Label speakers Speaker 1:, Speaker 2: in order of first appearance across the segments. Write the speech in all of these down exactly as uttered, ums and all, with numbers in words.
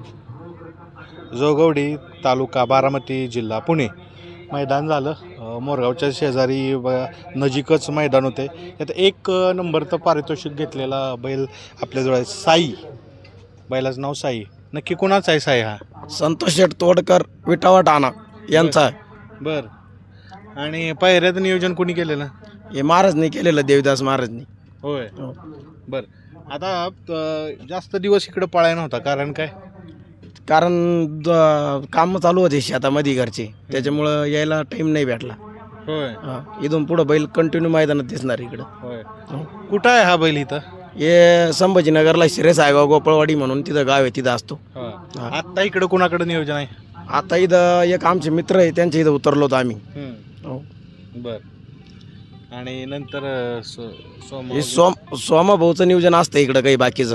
Speaker 1: जोगवडी तालुका बारामती जिल्हा पुणे मैदान झालं. अ, मोरगावच्या शेजारी ब नजीकच मैदान होते. त्यात एक अ, नंबरचं पारितोषिक घेतलेला बैल आपल्याजवळ आहे. साई, बैलाचं नाव साई. नक्की कोणाचा आहे साई हा?
Speaker 2: संतोष शेठ तोडकर विटावा ठाणा यांचा आहे.
Speaker 1: बर. आणि पायऱ्याचं नियोजन कोणी केलेलं?
Speaker 2: हे महाराजनी केलेलं, देवदास महाराजनी.
Speaker 1: होय.
Speaker 2: हो.
Speaker 1: बर. आता अ, जास्त दिवस इकडं पळाय नव्हता, कारण काय?
Speaker 2: कारण द- कामं चालू होते शेतामध्ये घरचे, त्याच्यामुळं यायला टाईम नाही भेटला.
Speaker 1: होय.
Speaker 2: हा, इथून पुढं बैल कंटिन्यू मैदानात दिसणार इकडं.
Speaker 1: होय.
Speaker 2: हो.
Speaker 1: कुठं आहे हा बैल इथं?
Speaker 2: हे संभाजीनगरला शिरे सायगाव गोपाळवाडी म्हणून तिथं गाव आहे, तिथं असतो. हा.
Speaker 1: आत्ता इकडं कोणाकडे नियोजन आहे?
Speaker 2: आता इथं एक आमचे मित्र आहे, त्यांच्या इथं उतरलो होतो आम्ही. हो.
Speaker 1: बर. आणि नंतर अ, सो सोम
Speaker 2: हे सोम सोमाभाऊचं नियोजन असतं इकडं काही बाकीचं.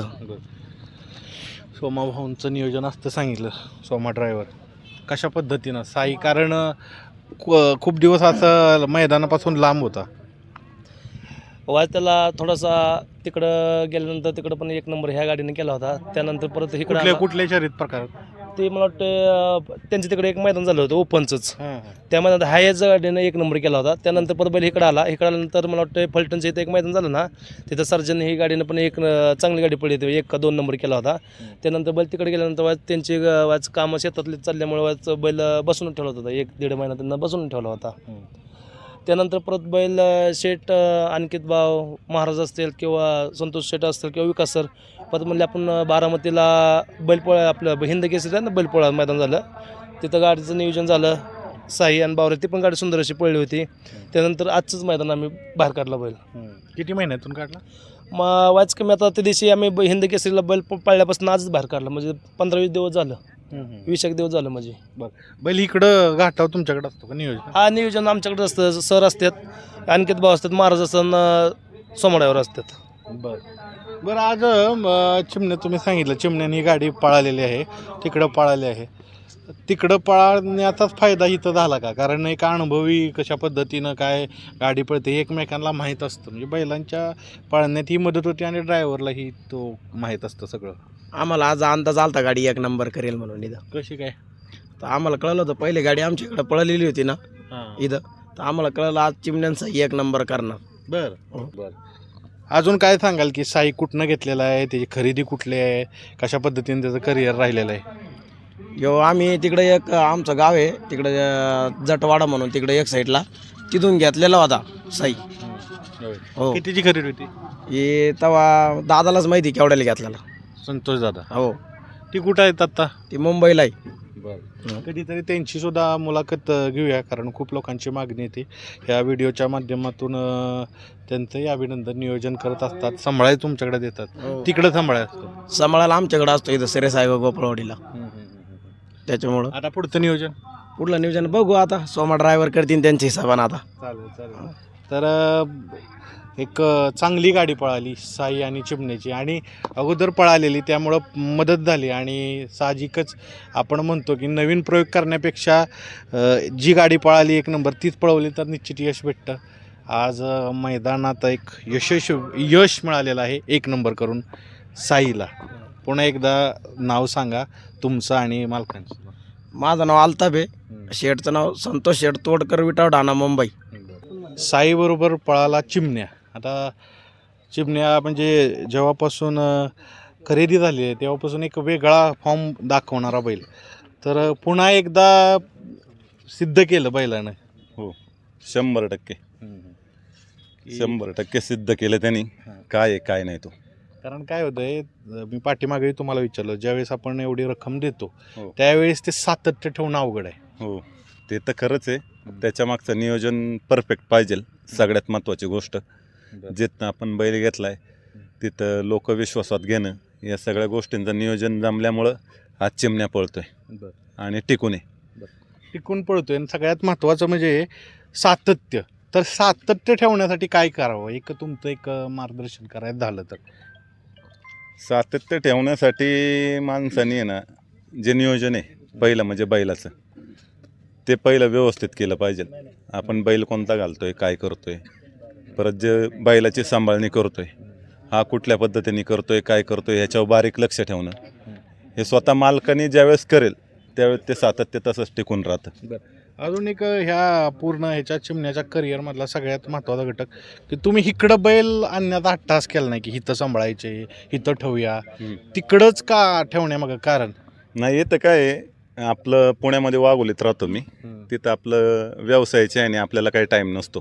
Speaker 1: सोमाभाऊंचं नियोजन असतं सांगितलं. सोमा ड्रायव्हर कशा पद्धतीनं साई, कारण अ, खू- खूप दिवस असं मैदानापासून लांब होता.
Speaker 3: वाज त्याला थोडासा तिकडं गेल्यानंतर तिकडं पण एक नंबर ह्या गाडीने केला होता. त्यानंतर परत इकडे
Speaker 1: कुठल्या कुठल्या शर्यत प्रकार?
Speaker 3: ते मला वाटतं त्यांच्या तिकडे एक मैदान झालं होतं ओपनचंच. त्या मैदानात हायच गाडीनं एक नंबर केला होता. त्यानंतर परत बैल इकडं आला. इकडं आल्यानंतर मला वाटतं फलटणचं इथं एक मैदान झालं ना, तिथं सर्जन ही गाडीनं पण एक अं, चांगली गाडी पडली होती, एक का दोन नंबर केला होता. त्यानंतर बैल तिकडे गेल्यानंतर वाज त्यांची अं, वाज कामं शेतातली चालल्यामुळे वाज बैल बसून ठेवला होता. एक दीड महिना त्यांना बसून ठेवला होता. त्यानंतर परत बैल शेठ अनिकेत भाव महाराज असतील किंवा संतोष शेठ असतील किंवा विकास सर, परत म्हणले आपण बारामतीला बैलपोळा आपलं हिंद केसरी आहे ना, बैलपोळा मैदान झालं, तिथं गाडीचं नियोजन झालं. साई आणि बावरे ती पण गाडी सुंदर अशी पळली होती. त्यानंतर आजचंच मैदान आम्ही बाहेर काढला बैल.
Speaker 1: किती महिन्यातून काढला?
Speaker 3: मग वाच कमी आता त्या दिवशी आम्ही ब- हिंद केसरीला बैल प- पाळल्यापासून आजच बाहेर काढला, म्हणजे पंधरा वीस दिवस झालं, वीस एक दिवस झालं म्हणजे.
Speaker 1: बरं. बैल इकडं घाटावर तुमच्याकडे असतो का नियोजन?
Speaker 3: हा, नियोजन आमच्याकडे असतं. सर असतात, अनिकेत भाऊ असतात, महाराज असतात, सोमड्यावर असतात.
Speaker 1: बरं. बरं, आज अ, चिमण्या तुम्ही सांगितलं चिमण्याने ही गाडी पळालेली आहे, तिकडं पळाली आहे. तिकडं पळण्याचाच फायदा इथं झाला का? कारण एक अनुभवी कशा पद्धतीनं काय गाडी पळते हे एकमेकांना माहीत असतं. म्हणजे बैलांच्या पळण्यात ही मदत होती आणि ड्रायव्हरलाही तो माहीत असतं सगळं.
Speaker 2: आम्हाला आज अंदाज आलता गाडी एक नंबर करेल म्हणून इथं.
Speaker 1: कशी काय?
Speaker 2: तर आम्हाला कळलं होतं, पहिली गाडी आमच्या इकडं पळलेली होती ना इथं, तर आम्हाला कळलं आज चिमण्यांचा एक नंबर करणार.
Speaker 1: बरं. बरं. अजून काय सांगाल की साई कुठनं घेतलेला आहे, त्याची खरेदी कुठली आहे, कशा पद्धतीने त्याचं करिअर राहिलेलं आहे?
Speaker 2: यो आम्ही तिकडे एक आमचं गाव आहे तिकडे अं, जटवाडा म्हणून तिकडे एक साईडला, तिथून घेतलेला होता साई. हो.
Speaker 1: कितीची खरेदी होती?
Speaker 2: हे तेव्हा दादालाच माहिती केवढ्याला घेतलेला.
Speaker 1: संतोष दादा.
Speaker 2: हो.
Speaker 1: ती कुठं आहेत आता?
Speaker 2: ती मुंबईला आहे.
Speaker 1: बरं. कधीतरी त्यांची सुद्धा मुलाखत अ, घेऊया, कारण खूप लोकांची मागणी येते. ह्या व्हिडिओच्या माध्यमातून अ, त्यांचंही अभिनंदन नियोजन करत असतात, सांभाळाय तुमच्याकडे देतात.
Speaker 2: हो.
Speaker 1: तिकडं सांभाळाय असतो.
Speaker 2: सांभाळायला आमच्याकडे असतो इथं सिरे साहेब गोपाळवाडीला, त्याच्यामुळं
Speaker 1: आता पुढचं नियोजन?
Speaker 2: पुढलं नियोजन बघू आता, सोमा ड्रायव्हर करतील त्यांच्या हिशोबानं आता.
Speaker 1: चालेल चालेल. तर अ, एक अ, चांगली गाडी पळाली साई आणि चिमण्याची, आणि अगोदर पळालेली त्यामुळं मदत झाली. आणि साहजिकच आपण म्हणतो की नवीन प्रयोग करण्यापेक्षा अ, जी गाडी पळाली एक नंबर तीच पळवली तर निश्चित यश भेटतं. आज अ, मैदानात एक यशस्वी यश मिळालेलं आहे एक नंबर करून साईला. पुन्हा एकदा नाव सांगा तुमचं आणि मालकांचं.
Speaker 2: माझं नाव अल्ताफ आहे, शेठचं नाव संतोष शेठ तोडकर विटाव ठाणा मुंबई.
Speaker 1: साईबरोबर पळाला चिमण्या. आता चिमण्या म्हणजे जेव्हापासून अ, खरेदी झाली आहे तेव्हापासून एक वेगळा फॉर्म दाखवणारा बैल. तर अ, पुन्हा एकदा सिद्ध केलं बैलानं.
Speaker 4: हो, शंभर टक्के शंभर टक्के सिद्ध केलं त्यांनी. काय आहे काय नाही तो.
Speaker 1: कारण काय होतं आहे, मी पाठीमागेही तुम्हाला विचारलं, ज्यावेळेस आपण एवढी रक्कम देतो
Speaker 4: हो.
Speaker 1: त्यावेळेस ते सातत्य ठेवणं अवघड आहे.
Speaker 4: हो, ते तर खरंच आहे. त्याच्या मागचं नियोजन परफेक्ट पाहिजे. सगळ्यात महत्त्वाची गोष्ट, जिथं आपण बैल घेतलाय तिथं लोक विश्वासात घेणं, या सगळ्या गोष्टींचं नियोजन जमल्यामुळं आज चिमण्या पळतोय आणि टिकून आहे.
Speaker 1: टिकून पळतोय. आणि सगळ्यात महत्त्वाचं म्हणजे सातत्य. तर सातत्य ठेवण्यासाठी काय करावं, एक तुमचं एक मार्गदर्शन करायचं झालं तर?
Speaker 4: सातत्य ठेवण्यासाठी माणसाने आहे ना, जे नियोजन आहे पहिलं म्हणजे बैलाचं, ते पहिलं व्यवस्थित केलं पाहिजे. आपण बैल कोणता घालतोय, काय करतोय, परत जे बैलाची सांभाळणी करतोय, हा कुठल्या पद्धतीने करतोय, काय करतोय, ह्याच्यावर बारीक लक्ष ठेवणं, हे स्वतः मालकाने ज्यावेळेस करेल त्यावेळेस ते सातत्य तसंच टिकून राहतं.
Speaker 1: अजून एक ह्या पूर्ण ह्याच्या चिमण्याच्या करिअरमधला सगळ्यात महत्त्वाचा घटक की तुम्ही इकडं बैल आणण्याचा हट्टास केला नाही की इथं सांभाळायचे, इथं ठेवूया, तिकडंच का ठेवण्यामागं कारण?
Speaker 4: नाही येतं काय आहे, आपलं पुण्यामध्ये वाघोलीत राहतो मी. तिथं आपलं व्यवसायाचे आहे आणि आपल्याला काही टाईम नसतो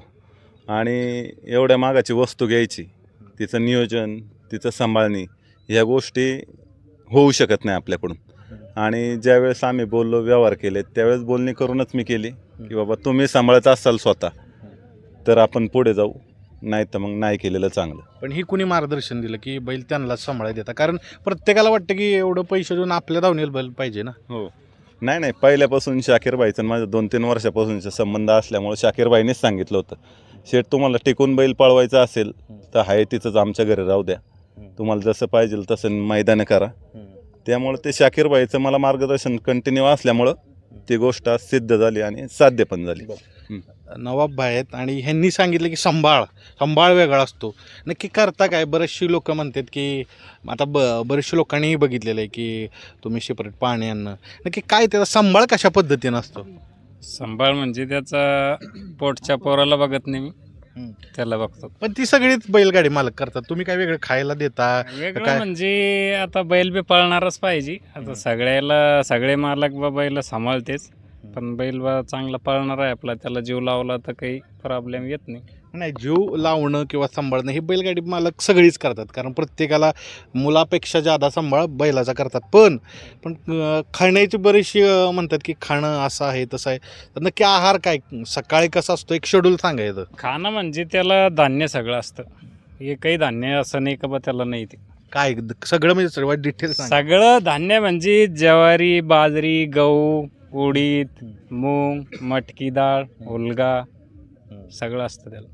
Speaker 4: आणि एवढ्या मागाची वस्तू घ्यायची, तिचं नियोजन, तिचं सांभाळणी ह्या गोष्टी होऊ शकत नाही आपल्याकडून. आणि ज्यावेळेस आम्ही बोललो, व्यवहार केले, त्यावेळेस बोलणी करूनच मी केली की बाबा तुम्ही सांभाळत असाल स्वतः तर आपण पुढे जाऊ, नाही तर मग नाही केलेलं चांगलं.
Speaker 1: पण ही कुणी मार्गदर्शन दिलं की बैल त्यांनाच सांभाळायला देता? कारण प्रत्येकाला वाटतं की एवढं पैसे देऊन आपल्या धावणीला बैल पाहिजे ना.
Speaker 4: हो, नाही नाही पहिल्यापासून शाकीरबाईचं माझं दोन तीन वर्षापासूनचा संबंध असल्यामुळे शाकीरबाईनेच सांगितलं होतं, शेठ तुम्हाला टिकून बैल पळवायचा असेल तर हाय तिथंच आमच्या घरी राहू द्या, तुम्हाला जसं पाहिजे तसं मैदानं करा. त्यामुळे ते शाकीरबाईचं मला मार्गदर्शन कंटिन्यू असल्यामुळं ती गोष्ट आज सिद्ध झाली आणि साध्य पण झाली.
Speaker 1: नवाब भाई आहेत आणि ह्यांनी सांगितलं की सांभाळ सांभाळ वेगळा असतो. नक्की करता काय? बरेचशी लोक म्हणतात की आता ब बरेचशे लोकांनीही बघितलेलं आहे की तुम्ही सेपरेट पाणी आणणं, नक्की काय त्याचा सांभाळ कशा पद्धतीनं असतो?
Speaker 5: सांभाळ म्हणजे त्याचा पोटच्या पोराला बघत नाही मी, त्याला बघतो.
Speaker 1: पण ती सगळीच बैलगाडी मालक करतात, तुम्ही काय वेगळं खायला देता?
Speaker 5: वेगळं
Speaker 1: काय?
Speaker 5: म्हणजे आता बैल बी पळणारच पाहिजे. आता सगळ्याला सगळे मालक बा बैल सांभाळतेच, पण बैल बा चांगला पळणार आहे आपला, त्याला जीव लावला तर काही प्रॉब्लेम येत नाही.
Speaker 1: नाही, जीव लावणं किंवा सांभाळणं हे बैलगाडी मालक सगळीच करतात, कारण प्रत्येकाला मुलापेक्षा जादा सांभाळ बैलाचा करतात. पण पण अं, खाण्याची बरीचशी अं, म्हणतात की खाणं असं आहे तसं आहे, तर नक्की आहार काय सकाळी कसा असतो एक शेड्यूल सांगायचं?
Speaker 5: खाणं म्हणजे त्याला धान्य सगळं असतं, हे काही धान्य असं नाही का बा त्याला नाही. ते
Speaker 1: काय सगळं म्हणजे सर्वात डिटेल सांग.
Speaker 5: सगळं धान्य म्हणजे ज्वारी, बाजरी, गहू, उडीद, मूग, मटकी डाळ, हुलगा सगळं असतं त्याला.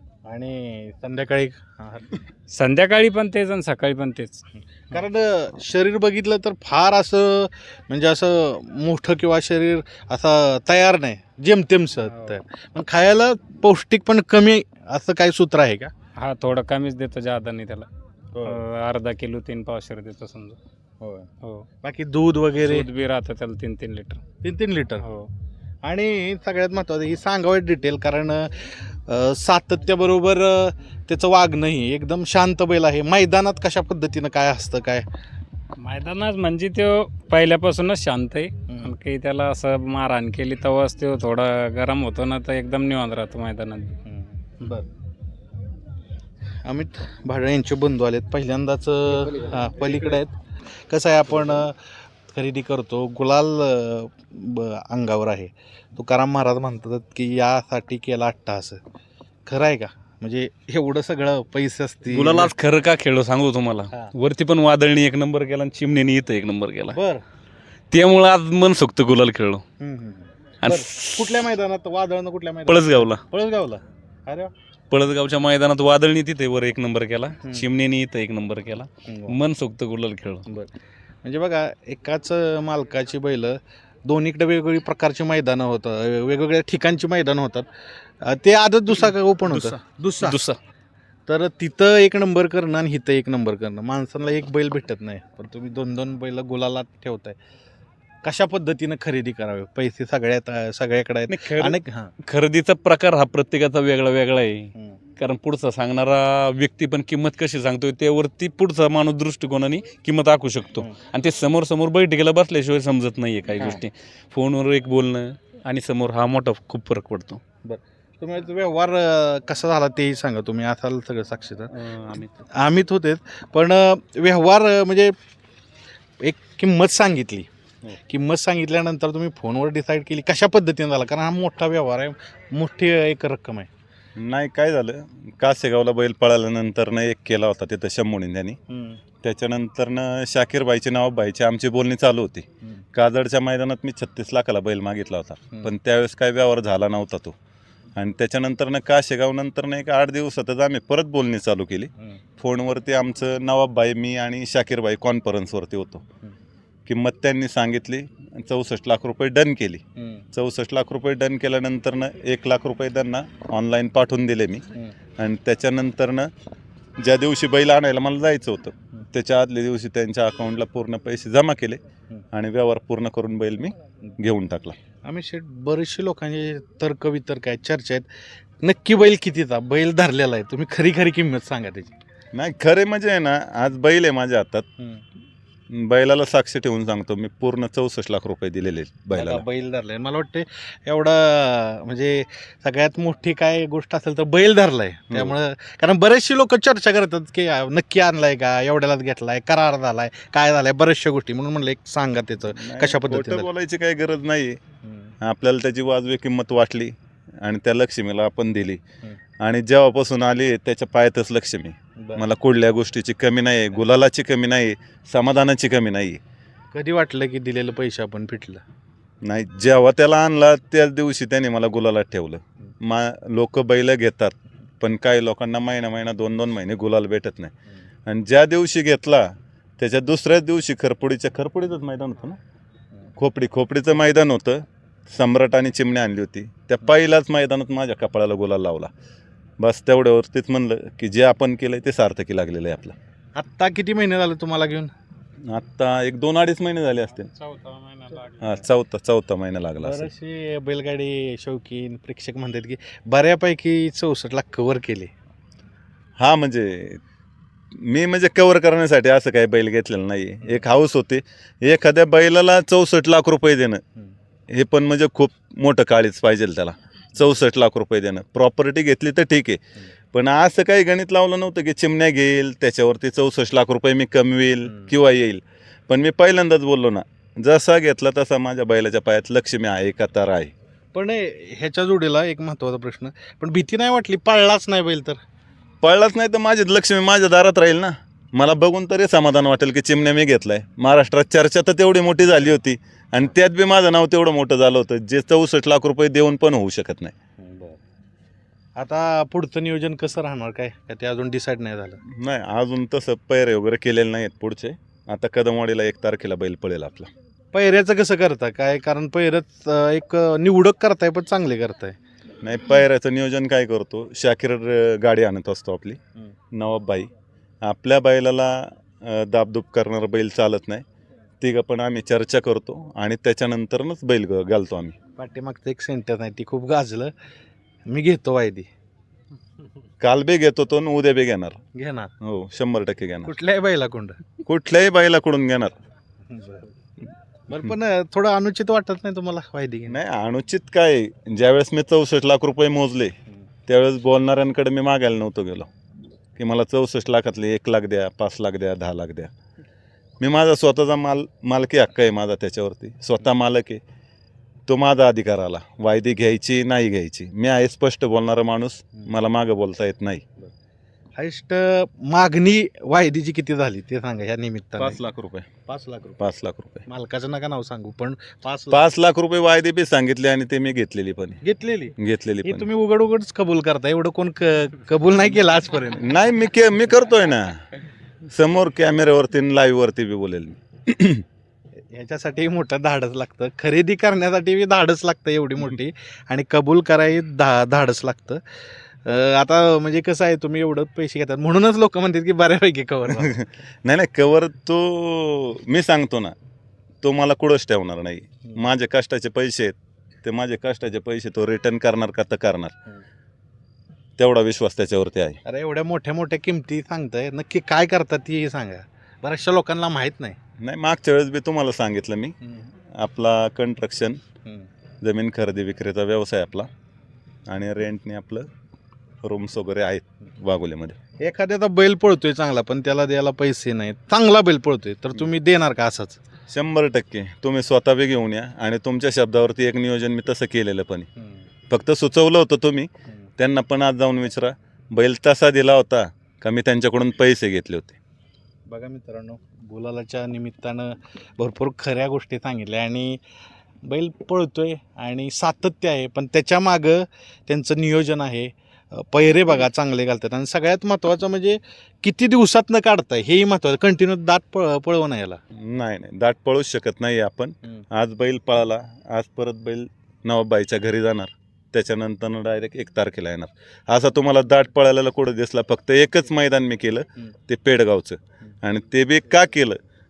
Speaker 1: आणि संध्याकाळी आहार?
Speaker 5: संध्याकाळी पण तेच आणि सकाळी पण तेच.
Speaker 1: कारण अं, शरीर बघितलं तर फार असं म्हणजे असं मोठं किंवा शरीर असं तयार नाही, जेमतेमसं तर. पण खायला पौष्टिक पण कमी असं काय सूत्र आहे का?
Speaker 5: हा थोडं कमीच देतो, जादा नाही त्याला. अं, अर्धा किलो तीन पावशेर देतो समजा. हो,
Speaker 1: बाकी दूध वगैरे
Speaker 5: दूध बी राहतं त्याला तीन तीन लिटर.
Speaker 1: तीन तीन लिटर.
Speaker 5: हो,
Speaker 1: आणि सगळ्यात महत्त्वाचं ही सांगावं डिटेल, कारण अं, सातत्याबरोबर अं, त्याचं वागणंही एकदम शांत बैल आहे. मैदानात कशा पद्धतीनं काय असतं काय?
Speaker 5: मैदानात म्हणजे तो पहिल्यापासूनच शांत आहे. आणि काही त्याला असं मारहाण केली तेव्हाच तो थोडा गरम होतो ना, तर एकदम निवांत राहतो मैदानात.
Speaker 1: बर, अमित भाडे यांचे बंधू आलेत पहिल्यांदाच, हां पलीकडे आहेत. कसं आहे, आपण अं, खरेदी करतो, गुलाल अं, ब अंगावर आहे. तुकाराम महाराज म्हणतात की यासाठी केला अट्टाहास. खरं आहे का? म्हणजे एवढं सगळं पैसे असतील.
Speaker 6: गुलाल आज खरं का खेळलो सांगू तुम्हाला,
Speaker 1: हा.
Speaker 6: वरती पण वादळणी एक नंबर केला आणि चिमणीने इथं एक नंबर केला,
Speaker 1: बर.
Speaker 6: त्यामुळं आज मन सोक्त गुलाल खेळलो.
Speaker 1: हम्म, हम्म.
Speaker 6: आणि
Speaker 1: बरं. कुठल्या मैदानात वादळनं? कुठल्या मैदानात?
Speaker 6: पळसगावला
Speaker 1: पळसगावला. अरे वा.
Speaker 6: पळसगावच्या मैदानात वादळणी तिथे वर एक नंबर केला,
Speaker 1: हम्म.
Speaker 6: चिमणीने इथं एक नंबर केला,
Speaker 1: हम्म.
Speaker 6: मन सोक्त गुलाल खेळलो.
Speaker 1: बरं, म्हणजे बघा एकाच मालकाची बैल दोन्हीकडे वेगवेगळी प्रकारची मैदानं होतं, वेगवेगळ्या ठिकाणची मैदानं होतात. अं, ते आदत दुसरा का ओपन होतं? दुसरा.
Speaker 6: दुसरा
Speaker 1: तर तिथं एक नंबर करणं आणि इथं एक नंबर करणं, माणसाला एक बैल भेटत नाही, पण तुम्ही दोन दोन बैल गुलालात ठेवताय. कशा पद्धतीनं खरेदी करावे? पैसे सगळ्यात सगळ्याकडे आहेत.
Speaker 6: नाही, खरं-
Speaker 1: अनेक हां
Speaker 6: खरेदीचा प्रकार हा प्रत्येकाचा वेगळा वेगळा आहे.
Speaker 1: हम्म.
Speaker 6: कारण पुढचा सांगणारा व्यक्ती पण किंमत कशी सांगतोय त्यावरती पुढचा माणूस दृष्टिकोनाने किंमत आखू शकतो.
Speaker 1: हम्म.
Speaker 6: आणि ते समोर समोर बैठकीला बसल्याशिवाय समजत नाहीये काही
Speaker 1: हा.
Speaker 6: गोष्टी. फोनवर एक बोलणं आणि समोर हा मोठा खूप फरक पडतो.
Speaker 1: तुम्ही व्यवहार अं, कसा झाला तेही सांगा, तुम्ही असाल सगळं साक्षीदार.
Speaker 6: अं, आम्ही
Speaker 1: आम्हीच होतेच, पण अं, व्यवहार अं, म्हणजे एक किंमत सांगितली,
Speaker 6: हो.
Speaker 1: किंमत सांगितल्यानंतर तुम्ही फोनवर डिसाईड केली कशा पद्धतीने झाला? कारण हा मोठा व्यवहार आहे, मोठी एक रक्कम आहे.
Speaker 4: नाही काय झालं, कासेगावला बैल पळाल्यानंतरनं एक केला होता तिथं शंभूने त्यांनी. त्याच्यानंतरनं शाकीरबाईचे नवाबबाईची आमची बोलणी चालू होती. काजडच्या मैदानात मी छत्तीस लाखाला बैल मागितला होता, पण त्यावेळेस काय व्यवहार झाला नव्हता तो. आणि त्याच्यानंतरनं काशेगाव नंतरनं एक आठ दिवसातच आम्ही परत बोलणी चालू केली. फोनवरती आमचं नवाबबाई, मी आणि शाकीरबाई कॉन्फरन्सवरती होतो. किंमत त्यांनी सांगितली, चौसष्ट लाख रुपये डन केली. चौसष्ट लाख रुपये डन केल्यानंतरनं एक लाख रुपये त्यांना ऑनलाईन पाठवून दिले मी. आणि त्याच्यानंतरनं ज्या दिवशी बैल आणायला मला जायचं होतं त्याच्या आदल्या दिवशी त्यांच्या अकाउंटला पूर्ण पैसे जमा केले आणि व्यवहार पूर्ण करून बैल मी घेऊन टाकला.
Speaker 1: आम्ही शेठ बरेचसे लोकांचे तर्क वितर्क आहेत, चर्चा आहेत. नक्की बैल कितीचा बैल धरलेला आहे, तुम्ही खरी खरी किंमत सांगा त्याची.
Speaker 4: नाही खरे म्हणजे आहे ना, आज बैल आहे माझ्या हातात, बैलाला साक्षी ठेवून सांगतो मी, पूर्ण चौसष्ट लाख रुपये दिलेले बैलाला.
Speaker 1: बघा, बैल धरलाय. मला वाटतं एवढा म्हणजे सगळ्यात मोठी काय गोष्ट असेल तर बैल धरलाय. त्यामुळं कारण बरेचसे लोक चर्चा करतात की नक्की आणलाय का, एवढ्यालाच घेतलाय, करार झालाय, काय झालाय, बऱ्याचशा गोष्टी. म्हणून म्हणलं एक सांगा त्याचं कशा
Speaker 4: खोटं
Speaker 1: पद्धतीने.
Speaker 4: बोलायची काही गरज नाही. आपल्याला त्याची वाजवी किंमत वाटली आणि त्या लक्ष्मीला आपण दिली. आणि जेव्हापासून आली त्याच्या पायातच लक्ष्मी. मला कुठल्या गोष्टीची कमी नाही, गुलालाची कमी नाही, समाधानाची कमी नाही.
Speaker 1: कधी वाटलं की दिलेलं पैसे आपण फिटलं
Speaker 4: नाही, जेव्हा त्याला आणला त्याच दिवशी त्याने मला गुलालात ठेवलं. मा लोक बैल घेतात, पण काही लोकांना महिना महिना दोन दोन महिने गुलाल भेटत नाही. आणि ज्या दिवशी घेतला त्याच्या दुसऱ्याच दिवशी खरपुडीच्या खरपुडीचंच मैदान होतं ना, खोपडी खोपडीचं मैदान होतं. सम्राट आणि चिमणी आणली होती, त्या पहिल्याच मैदानात माझ्या कपाळाला गुलाल लावला. बस तेवढ्यावरतीच म्हणलं की जे आपण केलंय ते सार्थकी लागलेलं आहे आपलं.
Speaker 1: आत्ता किती महिने झाले तुम्हाला घेऊन?
Speaker 4: आत्ता एक दोन अडीच महिने झाले असतील.
Speaker 5: चौथा महिना
Speaker 4: हां, चौथा चौथा महिना लागला असेल.
Speaker 1: बरेचसे बैलगाडी शौकीन प्रेक्षक म्हणतात की बऱ्यापैकी चौसष्ट लाख कव्हर केले.
Speaker 4: हा म्हणजे मी म्हणजे कव्हर करण्यासाठी असं काही बैल घेतलेलं नाही. एक हाऊस होते, एखाद्या बैलाला चौसष्ट लाख रुपये देणं हे पण म्हणजे खूप मोठं काळीच पाहिजे त्याला. चौसष्ट लाख रुपये देणं, प्रॉपर्टी घेतली तर ठीक आहे, पण असं काही गणित लावलं नव्हतं की चिमण्या घेईल त्याच्यावरती चौसष्ट लाख रुपये मी कमवेल किंवा येईल. पण मी पहिल्यांदाच बोललो ना, जसा घेतला तसा माझ्या बैलाच्या पायात लक्ष्मी आहे का तर आहे.
Speaker 1: पण ह्याच्या जोडीला एक महत्त्वाचा प्रश्न, पण भीती नाही वाटली पाळलाच नाही बैल तर?
Speaker 4: पळलाच नाही तर माझी लक्ष्मी माझ्या दारात राहील ना. मला बघून तरी समाधान वाटेल की चिमण्या मी घेतलाय. महाराष्ट्रात चर्चा तर तेवढी मोठी झाली होती आणि त्यात बी माझं नाव तेवढं मोठं झालं होतं, जे चौसष्ट लाख रुपये देऊन पण होऊ शकत नाही.
Speaker 1: आता पुढचं नियोजन कसं राहणार, काय का ते अजून डिसाईड नाही झालं?
Speaker 4: नाही, अजून तसं पैरे वगैरे केलेले नाहीत पुढचे. आता कदमवाडीला एक तारखेला बैल पळेल आपला.
Speaker 1: पैऱ्याचं कसं करता काय? कारण पैरच एक निवडक करताय पण चांगले करताय.
Speaker 4: नाही, पैऱ्याचं नियोजन काय करतो, शाकीर अं, गाडी आणत असतो आपली नवाबबाई. आपल्या बैलाला अं, दाबदूब करणारा बैल चालत नाही. तिघं पण आम्ही चर्चा करतो आणि त्याच्यानंतरच बैल ग- घालतो आम्ही.
Speaker 1: पाठीमागचं एक सेंटर नाही, ती खूप गाजलं. मी घेतो वायदी.
Speaker 4: काल बी घेतो तो आणि उद्या बी घेणार.
Speaker 1: घेणार
Speaker 4: हो, शंभर टक्के घेणार.
Speaker 1: कुठल्याही बैला कोंड.
Speaker 4: कुठल्याही बैलाकडून घेणार.
Speaker 1: बरं, पण थोडं अनुचित वाटत नाही तुम्हाला वायदी घेणं?
Speaker 4: नाही, अनुचित काय, ज्यावेळेस मी चौसष्ट लाख रुपये मोजले त्यावेळेस बोलणाऱ्यांकडे मी मागायला नव्हतो गेलो की मला चौसष्ट लाखातले एक लाख द्या, पाच लाख द्या, दहा लाख द्या. मी माझा स्वतःचा माल मालकी हक्क आहे माझा त्याच्यावरती, स्वतः मालक आहे, तो माझा अधिकार आला. वायदी घ्यायची नाही घ्यायची, मी आहे स्पष्ट बोलणारा माणूस, मला मागं बोलता येत नाही.
Speaker 1: हायस्ट मागणी वायदीची किती झाली ते सांगा ह्या निमित्ताने.
Speaker 4: पाच लाख रुपये
Speaker 1: पाच लाख रुपये.
Speaker 4: पाच लाख रुपये
Speaker 1: मालकाचं नका नाव सांगू, पण पाच लाख
Speaker 4: पाच लाख रुपये वायदे बी सांगितले आणि ते मी घेतलेली पण आहे.
Speaker 1: घेतलेली.
Speaker 4: घेतलेली
Speaker 1: हे
Speaker 4: पण
Speaker 1: तुम्ही उघड उघडच कबूल करता, एवढं कोण क- कबूल नाही केलं आजपर्यंत.
Speaker 4: आहे. नाही, मी के मी करतोय ना, समोर कॅमेऱ्यावरती लाईव्ह वरती बी बोलेल मी.
Speaker 1: ह्याच्यासाठी मोठं धाडस लागतं, खरेदी करण्यासाठी बी धाडस लागतं एवढी मोठी, आणि कबूल करायला धा धाडस लागतं. अं, आता म्हणजे कसं आहे, तुम्ही एवढं पैसे घेतात म्हणूनच लोक म्हणतात की बऱ्यापैकी कवर.
Speaker 4: नाही नाही, कवर तो मी सांगतो ना, तो मला कुठंच ठेवणार नाही. माझे कष्टाचे पैसे आहेत, ते माझे कष्टाचे पैसे तो रिटर्न करणार का तर करणार, तेवढा विश्वास त्याच्यावरती आहे.
Speaker 1: अरे एवढ्या मोठ्या मोठ्या किमती सांगताय, नक्की काय करतात ती सांगा, बऱ्याचशा लोकांना माहीत नाही.
Speaker 4: नाही, मागच्या वेळेस बी तुम्हाला सांगितलं मी, आपला कंस्ट्रक्शन जमीन खरेदी विक्रीचा व्यवसाय आपला, आणि रेंटने आपलं रूम्स वगैरे आहेत वाघोलीमध्ये.
Speaker 1: एखाद्याचा बैल पळतोय चांगला पण त्याला द्यायला पैसे नाहीत, चांगला बैल पळतोय तर तुम्ही देणार का असाच?
Speaker 4: शंभर टक्के तुम्ही स्वतः बी घेऊन या, आणि तुमच्या शब्दावरती एक नियोजन मी तसं केलेलं पण आहे. फक्त सुचवलं होतं तुम्ही, त्यांना पण आज जाऊन विचारा, बैल तसा दिला होता का मी त्यांच्याकडून पैसे घेतले होते.
Speaker 1: बघा मित्रांनो, गुलालाच्या निमित्तानं भरपूर खऱ्या गोष्टी सांगितल्या, आणि बैल पळतोय आणि सातत्य आहे, पण त्याच्या मागं त्यांचं नियोजन आहे. पैरे बघा चांगले घालतात, आणि सगळ्यात महत्त्वाचं म्हणजे किती दिवसातनं काढताय हेही महत्त्वाचं. कंटिन्यू दात पळ पळवू नये याला.
Speaker 4: नाही नाही, दाट पळूच शकत नाही आपण. आज बैल पळाला, आज परत बैल नवाबाईच्या घरी जाणार, त्याच्यानंतर डायरेक्ट एक तारखेला येणार. असा तुम्हाला दाट पळायला कुठं दिसला? फक्त एकच मैदान मी केलं, ते पेडगावचं, आणि ते बी का केलं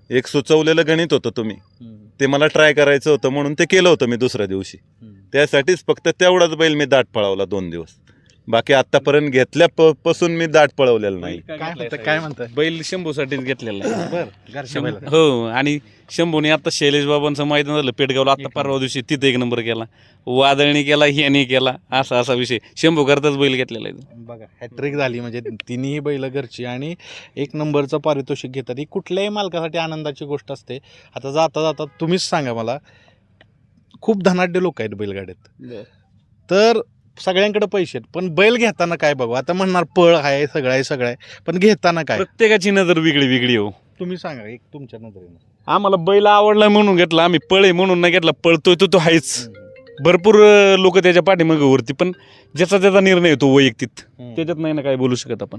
Speaker 4: एक सुचवलेलं गणित होतं तुम्ही, ते मला ट्राय करायचं होतं म्हणून ते केलं होतं मी दुसऱ्या दिवशी. त्यासाठीच फक्त तेवढाच बैल मी दाट पळवला दोन दिवस. बाकी आतापर्यंत घेतल्या प- पासून मी दाट पळवलेलं नाही.
Speaker 1: काय म्हणतं काय म्हणतं
Speaker 6: बैल शंभूसाठीच घेतलेला आहे.
Speaker 1: बरं घरच्या बैलाचं.
Speaker 6: हो, आणि शंभूने आता शैलेश बाबांचं मैदान झालं पेटगावला, आता परवा दिवशी तिथे एक नंबर केला, वादळणी केला, ह्याने केला, असा असा विषय शंभू करताच बैल घेतलेला आहे.
Speaker 1: बघा हॅट्रिक झाली म्हणजे तिन्ही बैल घरची आणि एक नंबरचं पारितोषिक घेतात. ही कुठल्याही मालकासाठी आनंदाची गोष्ट असते. आता जाता जाता तुम्हीच सांगा मला, खूप धनाढ्य लोक आहेत बैलगाड्यात, तर सगळ्यांकडे पैसे आहेत, पण बैल घेताना काय बघू, आता म्हणणार पळ आहे सगळं आहे सगळं आहे, पण घेताना काय
Speaker 6: प्रत्येकाची नजर वेगळी वेगळी हो.
Speaker 1: तुम्ही सांगा एक तुमच्या नजरेनं.
Speaker 6: आम्हाला बैल आवडला म्हणून घेतला आम्ही, पळे म्हणून नाही घेतला. पळतोय तो तो आहेच. भरपूर लोक त्याच्या पाठीमागे वरती, पण ज्याचा त्याचा निर्णय येतो वैयक्तिक, त्याच्यात नाही ना काय बोलू शकत आपण.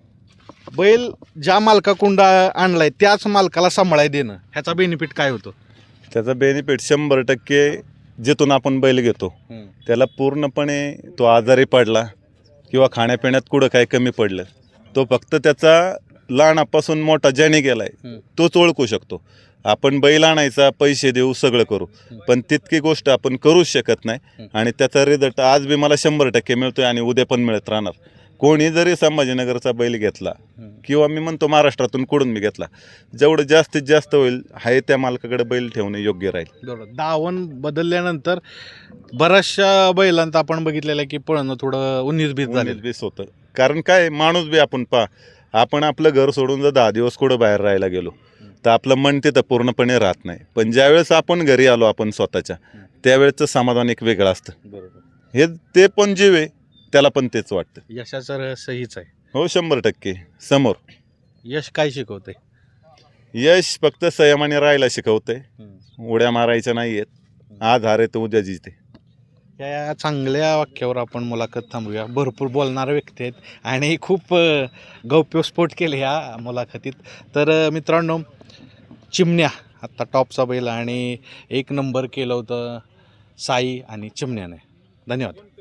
Speaker 1: बैल ज्या मालकाकडून आणलाय त्याच मालकाला सांभाळाय देणं, ह्याचा बेनिफिट काय होतो?
Speaker 4: त्याचा बेनिफिट शंभर टक्के जिथून आपण बैल घेतो त्याला पूर्णपणे तो आजारी पडला किंवा खाण्यापिण्यात कुठं काय कमी पडलं, तो फक्त त्याचा लहानापासून मोठा ज्याने गेलाय तोच ओळखू शकतो. आपण बैल आणायचा, पैसे देऊ, सगळं करू, पण तितकी गोष्ट आपण करूच शकत नाही. आणि त्याचा रिझल्ट आज बी मला शंभर टक्के मिळतोय आणि उद्या पण मिळत राहणार. कोणी जरी संभाजीनगरचा बैल घेतला किंवा मी म्हणतो महाराष्ट्रातून कुठून मी घेतला, जेवढं जास्तीत जास्त होईल आहे त्या मालकाकडे बैल ठेवणे योग्य राहील.
Speaker 1: बरोबर. दावण बदलल्यानंतर बऱ्याचशा बैलांत आपण बघितलेलं आहे की पळणं थोडं उन्नीस बीस झालेलं.
Speaker 4: बीस होतं. कारण काय, माणूस बी आपण पा आपण आपलं घर सोडून जर दहा दिवस कुठं बाहेर राहायला गेलो तर आपलं मन तिथं पूर्णपणे राहत नाही. पण ज्यावेळेस आपण घरी आलो आपण स्वतःच्या, त्यावेळेचं समाधान एक वेगळं असतं.
Speaker 1: बरोबर.
Speaker 4: हे ते पण जीव आहे, त्याला पण तेच वाटतं.
Speaker 1: यशाचं रहस्य हीच आहे.
Speaker 4: हो, शंभर टक्के. समोर
Speaker 1: यश काय शिकवते?
Speaker 4: यश फक्त संयमाने राहायला शिकवतंय, उड्या मारायच्या नाही आहेत. आज हार आहे तर उद्या जिते.
Speaker 1: या चांगल्या वाक्यावर आपण मुलाखत थांबूया. भरपूर बोलणारे व्यक्ती आहेत आणि खूप अ, गौप्यस्फोट केले ह्या मुलाखतीत. तर अ, मित्रांनो, चिमण्या आत्ता टॉपचा बैल आणि एक नंबर केलं होतं साई आणि चिमण्याने. धन्यवाद.